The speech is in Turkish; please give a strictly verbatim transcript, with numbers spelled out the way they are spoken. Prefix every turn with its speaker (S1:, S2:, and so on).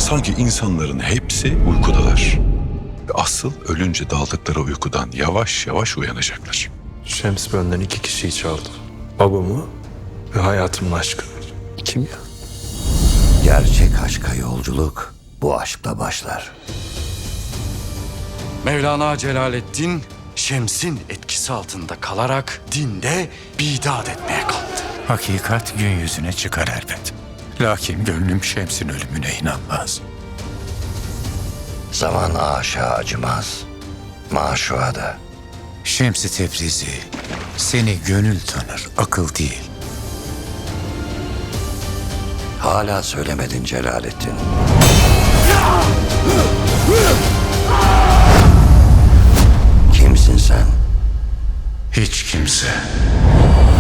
S1: Sanki insanların hepsi uykudalar. Ve asıl ölünce daldıkları uykudan yavaş yavaş uyanacaklar.
S2: Şems benden iki kişiyi çaldı. Babamı ve hayatımın aşkını. Kim ya?
S3: Gerçek aşka yolculuk bu aşkla başlar.
S4: Mevlana Celaleddin, Şems'in etkisi altında kalarak dinde bidat etmeye kalktı.
S5: Hakikat gün yüzüne çıkar elbet. Lakin gönlüm Şems'in ölümüne inanmaz.
S3: Zaman aşağı acımaz. Maşuğa da.
S5: Şems-i Tebrizi seni gönül tanır, akıl değil.
S3: Hala söylemedin Celaleddin. Kimsin sen?
S5: Hiç kimse.